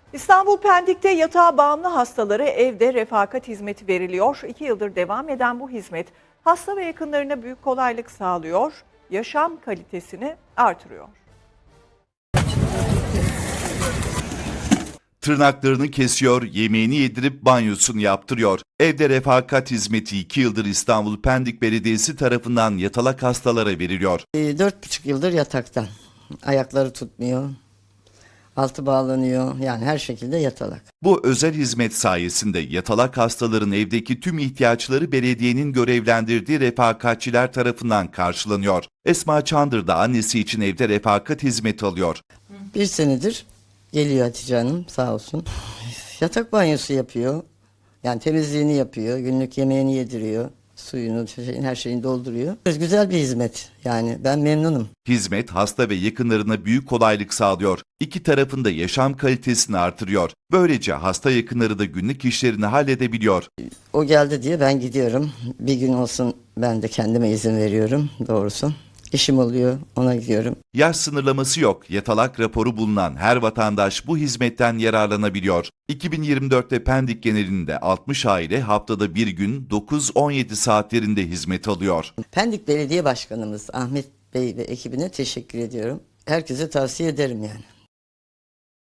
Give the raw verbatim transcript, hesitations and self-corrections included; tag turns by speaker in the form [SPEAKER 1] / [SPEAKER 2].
[SPEAKER 1] İstanbul Pendik'te yatağa bağımlı hastalara evde refakat hizmeti veriliyor. İki yıldır devam eden bu hizmet hasta ve yakınlarına büyük kolaylık sağlıyor, yaşam kalitesini artırıyor.
[SPEAKER 2] Tırnaklarını kesiyor, yemeğini yedirip banyosunu yaptırıyor. Evde refakat hizmeti iki yıldır İstanbul Pendik Belediyesi tarafından yatalak hastalara veriliyor.
[SPEAKER 3] E, Dört buçuk yıldır yatakta. Ayakları tutmuyor. Altı bağlanıyor. Yani her şekilde yatalak.
[SPEAKER 2] Bu özel hizmet sayesinde yatalak hastaların evdeki tüm ihtiyaçları belediyenin görevlendirdiği refakatçiler tarafından karşılanıyor. Esma Çandır da annesi için evde refakat hizmeti alıyor.
[SPEAKER 3] Bir senedir geliyor Hatice Hanım sağ olsun. Yatak banyosu yapıyor. Yani temizliğini yapıyor. Günlük yemeğini yediriyor. Suyunu, şeyin, her şeyini dolduruyor. Güzel bir hizmet. Yani ben memnunum.
[SPEAKER 2] Hizmet hasta ve yakınlarına büyük kolaylık sağlıyor. İki tarafın da yaşam kalitesini artırıyor. Böylece hasta yakınları da günlük işlerini halledebiliyor.
[SPEAKER 3] O geldi diye ben gidiyorum. Bir gün olsun ben de kendime izin veriyorum doğrusu. İşim oluyor, ona gidiyorum.
[SPEAKER 2] Yaş sınırlaması yok. Yatalak raporu bulunan her vatandaş bu hizmetten yararlanabiliyor. iki bin yirmi dörtte Pendik genelinde altmış aile haftada bir gün dokuz on yedi saatlerinde hizmet alıyor.
[SPEAKER 3] Pendik Belediye Başkanımız Ahmet Bey ve ekibine teşekkür ediyorum. Herkese tavsiye ederim yani.